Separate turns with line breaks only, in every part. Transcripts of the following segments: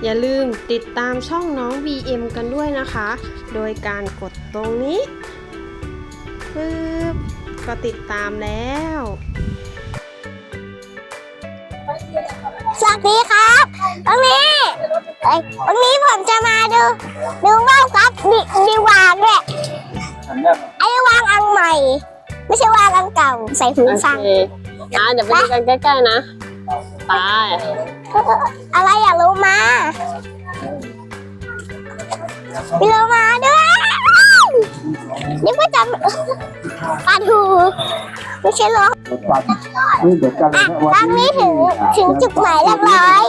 อย่าลืมติดตามช่องน้อง BM กันด้วยนะคะ โดยการกดตรงนี้ปึ๊บก็ติดตามแล้ว
สวัสดีครับวันนี้ผมจะมาดูว่าวครับมีวางด้วยไอ้วางอันใหม่ ไม่ใช่วางอันเก่าใส่หูฟัง
เดี๋ยวไปดูกันใกล้ๆนะไป
อะไรอยากรู้มามีโลมาด้วยนี่ก็จะปลาทูไม่ใช่หรอตอนนี้ถึงจุดหมายเรียบร้อย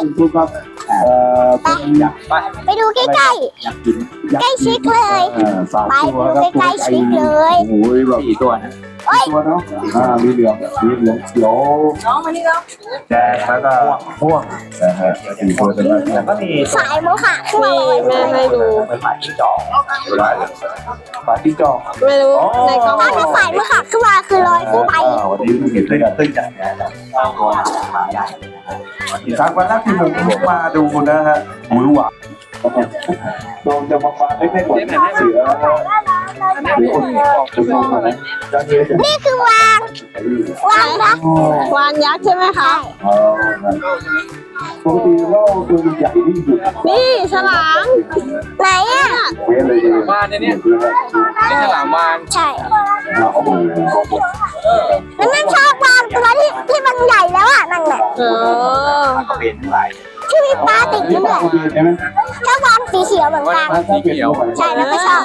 ไปดูใกล้ๆใกล้ชิดเลยไปดูใกล้ๆชิดเลย
โอ้ยแบบกี่ตัวนะตัวเนาะมีเหลืองเขียวแดงแล้วก็ม่วงนะฮะสี่ตัวเป็นแล้วก็มี
สายมั้งค่ะขึ้นมาเลย
แม่ให้ดู
เป็นหมายจิ้งจอกหมายจิ้งจอก
ไม่รู้ในกล้อง
ถ้าสายมั้งค่ะขึ้นมาคือลอยขึ้นไป
วันนี้มันเห็นตึ้งอย่างนี้ครับวันแรกที่ผมมาดูนะฮะหูหวานโดนจะมาฟังเล็กๆกว่าเสือ
นี่คือวางนะ
วานยักษ์ใช่ไหมคะ
ปกติเราตัวใหญ่ที่สุด
นี่ฉลาม
ไหนอ่ะ
เว้ยเลยบ้านเนี่ยนี่ฉลามวาน
ใช่แล้วนั่นชอบวางตัวที่มันใหญ่แล้วอ่ะนั่นแหละ
เป็นไร
ที่มีปลาติดอยู่ด้วยชอบวางสีเขียวเหมือนกัน
สีเขียว
ใช่แล้วก็ชอบ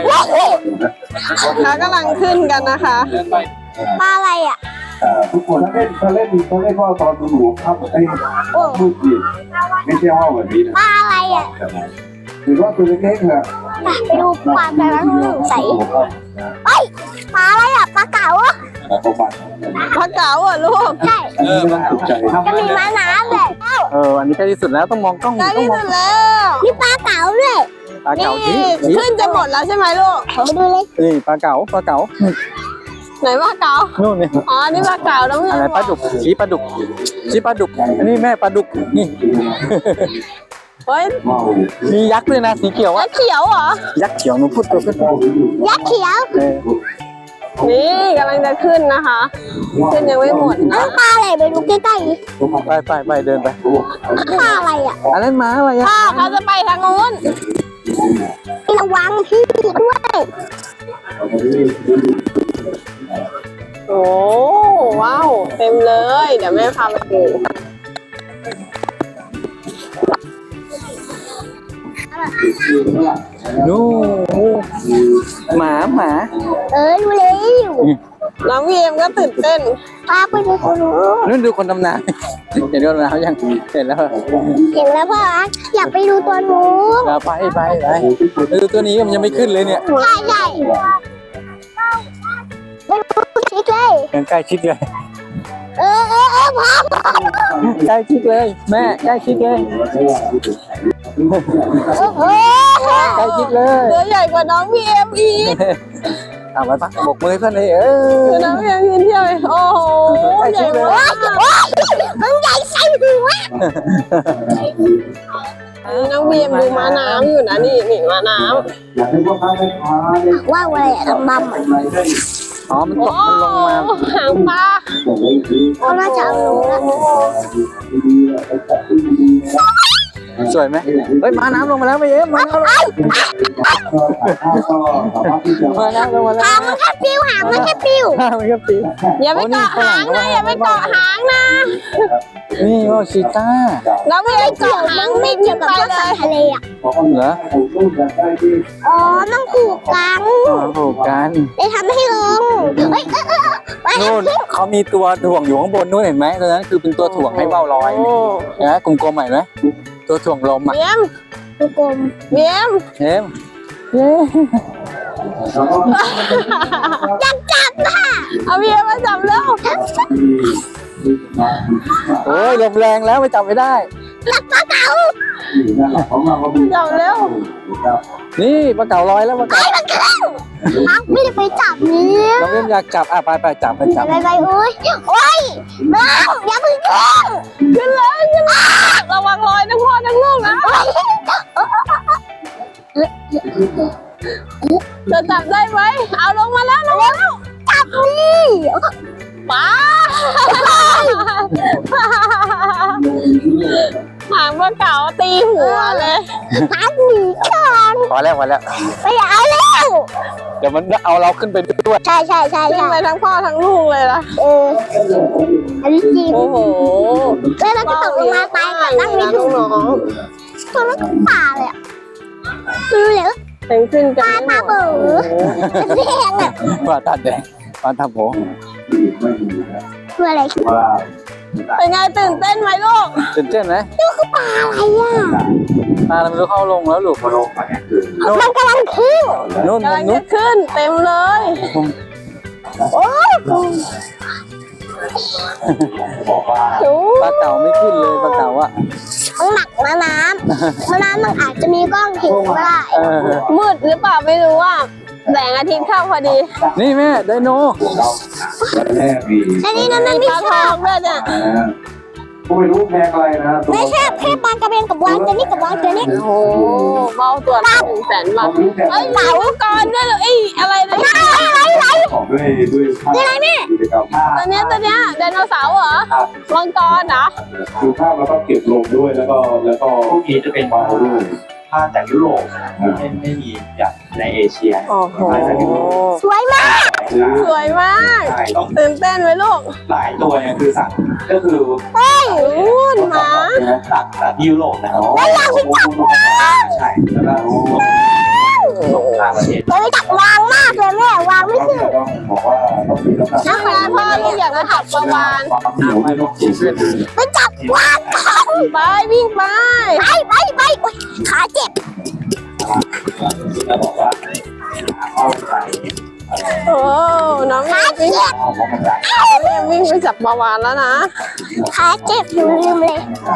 เขากำลังขึ้นกันนะคะ
ปลาอะไรอ่ะ
ทุกคนถ้าเล่นว่าตอนดูหนูครับไอ้ลูกจีบไม่ใช่ว่าแบบนี้นะ
ปลาอะไรอ่ะ
หรือว่าตัวเล็กๆนะ
ไปดูปลาแต่ละใสเอ้ยปลาอะไรอ่ะปลาเก๋าอ่ะ
เขาบัตร
ปลาเก๋าอ่ะลูก
ใช่
มันตกใจ
จะมีม้าน้ำเลย
อันนี้ใกล้ที่สุดแล้วต้องมองกล้อง
ใกล้ที่สุดแล้ว
มีปลาเก๋าด้วย
ปลา
นี่
เก๋าชี้
ขึ้นจะหมดแล้วใช่ไหมลูก
ไปดูเลย
นี่ปลาเก๋า
ไหนปลาเก๋า
นู่นนี่
อ๋อนี่ปลาเก๋าน้อง
อะไรปลาดุกชี้ปลาดุกอันนี้แม่ปลาดุกนี่
เฮ้ย
มียักษ์ด้วยนะสีเขียว
ยั
อะ
กษ์เขียวเหรอ
ยักษ์เขียวหนูพูดตัวขึ้น
ยักษ์เขียว
นี่กำลังจะขึ้นนะคะ ขึ้นยังไม่หมด
นั่
นะ
นปลาอะไรไปดูใกล้
ไปเดินไป
ๆปลาอะไรอ่ะ
อันนั้นม้าอะไรอะ
พ่อเขาจะไปทางนู้น
ระวังพี่ด้วย
โอ้ว้าวเต็มเลย เดี๋ยวแม่พาไปดู
นู่หมา
ดูเลย
น้องพีเอ็มก็ตื่นเต้น
ปลาไปดูคนนู้น
นู่นดูคนดำน้ำเห็นคนดำน้ำยังเห็นแล้ว
เห็นแล้วพ่ออยากไปดูตัวนู้น
ไปดูตัวนี้มันยังไม่ขึ้นเลยเนี่ย
ใหญ่ไปดูชิคเลย
ยังใกล้ชิดเลย
พ่อ
ใกล้ชิดเลยแม่ใกล้ชิดเลย
โอ้โห
ใกล้ชิดเลย
ตัวใหญ่กว่าน้องพีเอ็มอีก
เอาไปปะบกมือเพื่อนเลย
คือน้องพีเอ็มยืนเที่ยวเลยโอ้โหใหญ่มาก
มันใหญ่ใส่หัว
น้องพีเอ็มดูม้าน้ำอยู่นะนี่ม้าน้
อยากให้พวกเขาได้พาได้
ว่าอะไรอะดำๆอะ
อ๋อมัน
ำ
ต
โอ้
กมันลงมา
หางปลา
เขาน่าจะเอาลงแล้ว
สวยไหมเฮ้ยมาน้ำลงมาแล้วไปเอ๊ะมาน้ำลงมาน้ำลงมาแล้ว
หางมันแค่ปิ้วหางมันแค่ปิ้ว
มันก็ปี
อย่าไปเกาะหางนะอย่าไปเกาะหางนะ
นี่ว่าชีต้า
น้องพีเอ็มเกาะหาง
ไม่
ไม่
เกี่
เกี่
ย
ยว ว
กับ
ไป
พวก
เล
สัต
ย
ว์ทะเลอ่ะ
เหรอ
อ๋อต้องผูกกัน
ถูกกัน
ได้ทำให้ลงเฮ้ย
นู่นเขามีตัวถ่วงอยู่ข้างบนนู่นเห็นไหมตรงนั้นคือเป็นตัวถ่วงให้เบ้าลอยนะกลมๆเห็นไหมตัวถ่วงลมอ่ะ
เบียม
กลม
เบียม
เห็น
อยากจับอ่ะ
เอาเบียมมาจับแล้ว
โอ้ยลมแรงแล้วไปจับไม่ได้
หลักปลาเก๋า
จับแล้ว
นี่ปลาเก๋าลอยแล้วปลาเก๋า
มันขึ้นไม่ได้ไปจับเนี่ย
น้องเล่นอยากจับไปจับ
ไปโอ้ยน้องอย่าเพิ่งขึ้น
ขึ้นเลยระวังรอยทั้งพ่อทั้งลูกนะ
โอ้ย
จะจับได้ไหมเอาลงมาแล้วลงมาแล้ว
จับนี่
ป้าหางปลาเก๋าตีหัวเลย
พักหนีก่อน
พอแล้ว
ไม่เอาแล้ว
เดี๋ยวมันเอาเราขึ้นไปด้วย
ใช่
ขึ้นไปทั้งพ่อทั้งลูกเลยล่ะ
อันนี้จริง
โอ้โห
แล้วเราจะตกลงมาตายก่อนนั่งไม่ถูก
น้อง
ตัวมันป่าเลยอ่ะดูเหลือ
ๆเป็นขึ้นกัน
ปลาเบื่อแดงอ่ะ
ปลาตาแดงปลาตาโผ
คืออะไร
ว่า
เป็นไงตื่นเต้นไหมลูก
ตื่นเต้นไหม
คือปลาอะไรอ่ะ
ปลาเราไม่รู้เข้าลงแล้วลูก
โลกอันนี้คือ
มันกำลังขึ้น
นู่น
กำลัง
นู่
จะ
น
ขึ้นเต็มเลย
โอ้ย
บอกว่า
โอ้
ปลาเก๋าไม่ขึ้นเลยปลาเก๋าอ่ะ
มันหนักนะน้ำมันอาจจะมีกล้องเห็นก็ได้
เออ
มืดหรือเปล่าไม่รู้อ่ะแสงอาทิตย์เข้าพอดี
นี่แม่ไดโน
เราวันแรกมี
อันนี้นะมัน
ป
ไม่
ลาท
ใช่
องด้วยเนี่ย
ก็ไม่รู้แพงอะไรนะตัว
ไม่ใช่แค่ปลากระเบนกับวางตัวนี้กับวางตัวนี้
โอ้โหเบาตัวละ100,000 บาทเอ้ยเต่าก่อนด้วยเลยอะไรนะ
ของด้วยกิจกรรม
ตัวเนี้ยไดโนเสาร์เหรอมังกรเหรอ
ดูภาพแล้วก็เก็บลงด้วยแล้วก็พวกนี้จะเป็นมาด้วย
ผ้าจากยุโรปนะครับไม่มีอย่างในเอเชีย
โอ้โห
สวยมาก
สวยมาก
ใช่ต้อง
ตื่นเต้นไหมลูก
หลายตัวเนี่ยคือสั่งก็คือ
นู่นหมา
จากที่ยุโรปนะครับใช่แล้วก็ส่งต่างประเทศ
เราไม่จับวางมากเลยแม่วางไม่ขึ้น
ต้องบอกว่าต้องมีน้ำหนัก
น้ำงานพ่อลูกอยากจะถักประวาน
ความเหนียวให้ต้องจีบด้วย
ไม่จับวาง
ไปวิ่งไป
ไปอุ๊ยขาเจ็บ
แล้วบอกว่าเอาไป
โอ้น้อง
ขา
วิ่ง
เจ็บ
วิ่งไปจับประวานแล้วนะ
ขาเจ็บหนูลืมเลย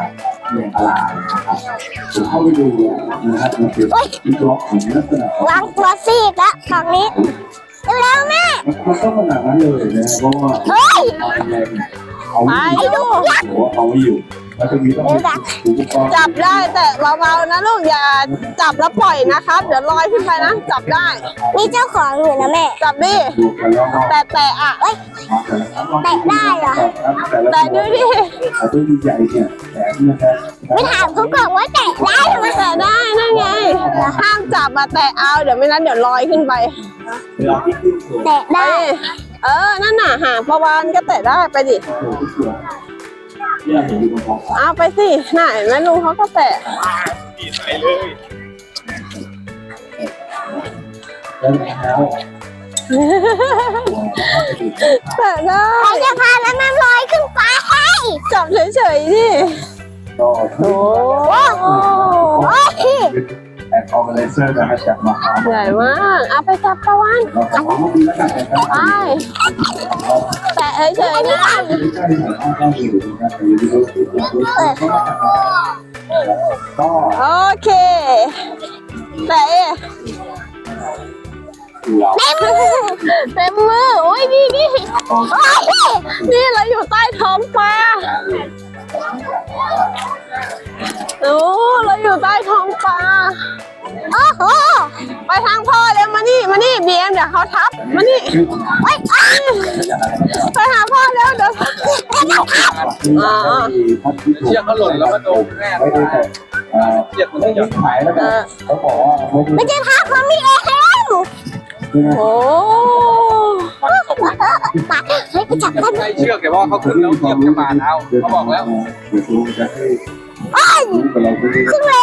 ผมเข้าไปดูนะครับมันเป็นที่ล็อกของลักษณะ
วางตัวซีกแล้วฝั่งนี้เร็วๆแม่
มันก็ขนาดนั้นเลยนะเพราะว่า
เฮ้ย
เอา
ไป
ไม่อยู่
ลูก
เอาไม่อยู่แล้วก็มีต้องอุปกรณ์
จับได้แต่เบาๆนะลูกอย่าจับแล้วปล่อยนะครับ เดี๋ยวลอยขึ้นไปนะจับได้
มีเจ้าของอยู่นะแม่
จับดิ
ดูกันแล้วก็
แต่อ่ะ แต่ดูดิ
ตัวใหญ่เนี่ยแถมนะครับ
ไม่ถามเขาก่อนว่าแตะได้ไหม
แต่ได้นั่นไงห้ามจับมาแต่เอาเดี๋ยวไม่นั้นเดี๋ยวลอยขึ้นไป
แตะได้
นั่นน่ะหางประวานก็แตะได้ไปดิ
เนี่ยเห็นอยู่บนท้องฟ้า
เอาไปสิน่ะเห็นไหมลุงเขาก็แตะ
แล้ว
แตะได้
ใครจะพาแล้วน้ำลอยขึ้นฟ้าให้
จับเฉยๆดิ
ก็
โอ้
โอ้ย
แอนออร์แกไนเซอร์จะมาจับมาเอา
ใหญ่มากเอาไปจับประวาน
เราขอมาดีแล้วกันนะครับ
ไปแตะเฉยๆนะ
ก็
โอเคแตะ
เรา
เต็มมือโอ้ยนี่เราอยู่ใต้ท้องปลาโอ้เราอยู่ใต้ท้องปลา
โอ้โห
ไปทางพ่อเร็วมานี่บีเอ็มเดี๋ยวเขาทับมานี่
โอ้ย
ไปหาพ่อเร็วเดี๋ยว
เชือกเขาหล่นแล้วก็โดนแม่
ไม่ได้แต่เจ็บมันไม่ยอมหายแล้วกันเขาบอกว่า
ไม่ใช่พาเขามีเอง
โอ้
ปาเฮ้ยไปจับได้ไหม
ใช้เชือกแต่ว่าเขาขึ้นแล้วเหยียบจะบาดเอาเขาบอกแล้ว
เดี๋ยวคุณจะให้
โอ้ย
กับเราด้วย
ขึ้นแรง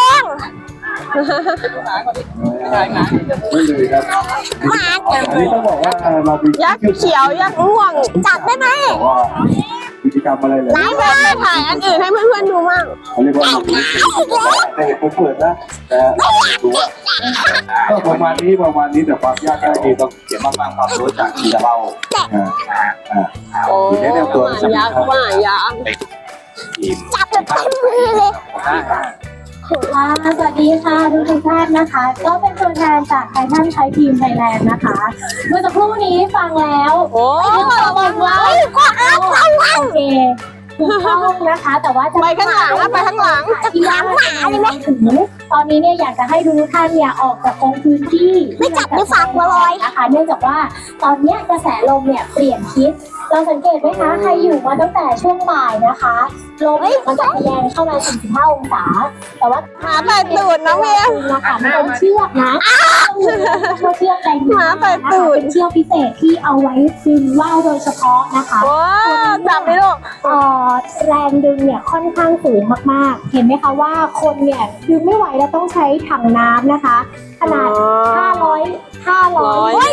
ไม่เลยครับ
หมา
อันนี้ต้องบอกว่าเรามี
ยักษ์เขียวยักษ์ม่วง
จับได้ไหม
บอกว่ากิจกรรมอะไรเลย
นี่แม่ถ่ายอันอื่นให้เพื่อนๆดูมั่ง
เขาเรียกว่าแต่เห็นผมเปิดนะแต่ดูว่าก็ประมาณนี้แต่ความยากก็ดีต้อง
เดี๋ยวมาฟังความรู้จากที่เรา
โอ้ยักษ์ว่ายักษ์
จับแบบเต็มมือเลย
สวัสดีค่ะทุกท่านนะคะ ก็เป็นตัวแทนจากไททันใช้ทีมไทยแลนด์นะคะเมื่อสักครู่นี้ฟังแล้ว
โอ้
ระวังไว้
ก็อ้าวระวัง
โอเคถูกต้องนะคะ แต่ว่าจะ
ไปข้างหลังนะไปข้างหลัง
ที่ว่าถึงตอนนี้เนี่ยอยากจะให้ทุกท่านเนี่ยออกจากตรงพื้นที่
ไม่จับในฝักบัวลอย
นะคะเนื่องจากว่าตอนเนี้ยกระแสลมเนี่ยเปลี่ยนทิศเราสังเกตไหมคะใครอยู่มาตั้งแต่ช่วงบ่ายนะคะลมเนี่ยมันจะทะแยงเข้ามา45องศาแต่ว่า
หมาไต่ตูดน้องเวีย
นะคะมันเป็นเชือกนะเชือกแดง
หมาไต่ตูด
เป็นเชือกพิเศษที่เอาไว้ดึงว่าวโดยเฉพาะนะคะ
ว้าวจับไปลูก
แรงดึงเนี่ยค่อนข้างสูงมากๆ เห็นไหมคะว่าคนเนี่ยดึงไม่ไหวแล้วต้องใช้ถังน้ำนะคะ ขนาด 500
เฮ้ย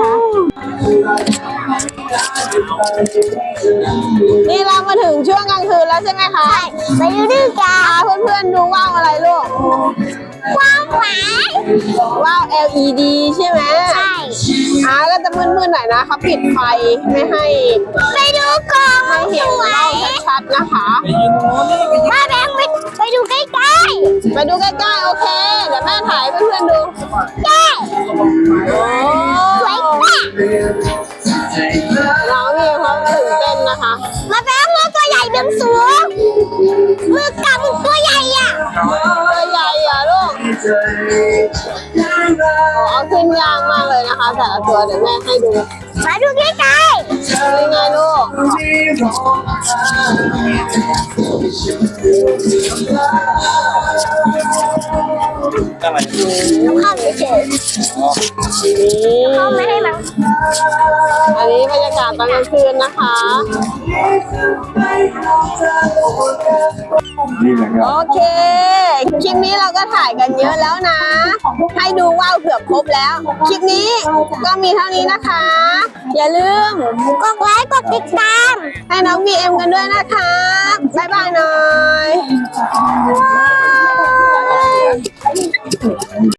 นี่เรามาถึงช่วงกลางคืนแล้วใช่ไหมคะ
ไปดูดีกัน
พาเพื่อนๆดูว่าวอะไรลูก
ความหวาน
ว่าว LED ใช่ไหม
ใช่
ก็จะมืดๆหน่อยนะเขาปิดไฟไม่ให้
ไปดูกล่อง
ให้เห็น
สว
ว่าวย ชัดๆนะคะ
มาแบงค์ไปดูใกล้
ไปดูใกล้ๆโอเค เดี๋ยวแม่ถ่ายให้เพื่อนๆดู
ๆใช่
โอ้
สวยมาก
น้องมีเขาตื่นเต้นนะคะ
มาแบงค์มือตัวใหญ่ดึงสูงมือกำมือตัวใหญ่อ่ะ
ตัวใหญ่อะลูกเอาขึ้นยากมากเลยนะคะ แต่ละตัวเดี๋ยวแม่ให้ดู
มาดูใกล้
นี่ไงลูก
อะไร
ๆเข้าเฉย
นี่
ๆเข้าไม่ให้มัน
อันนี้บรรยากาศตอนกลางคืนนะคะ
นี่แหละครับ
โอเค คลิปนี้เราก็ถ่ายกันเยอะแล้วนะ ให้ดูว่าวเกือบครบแล้ว คลิปนี้ก็มีเท่านี้นะคะ อย่าลืม
กดไลค์กดติดตาม
ให้น้อง BM กันด้วยนะคะ บ๊ายบายหน่อย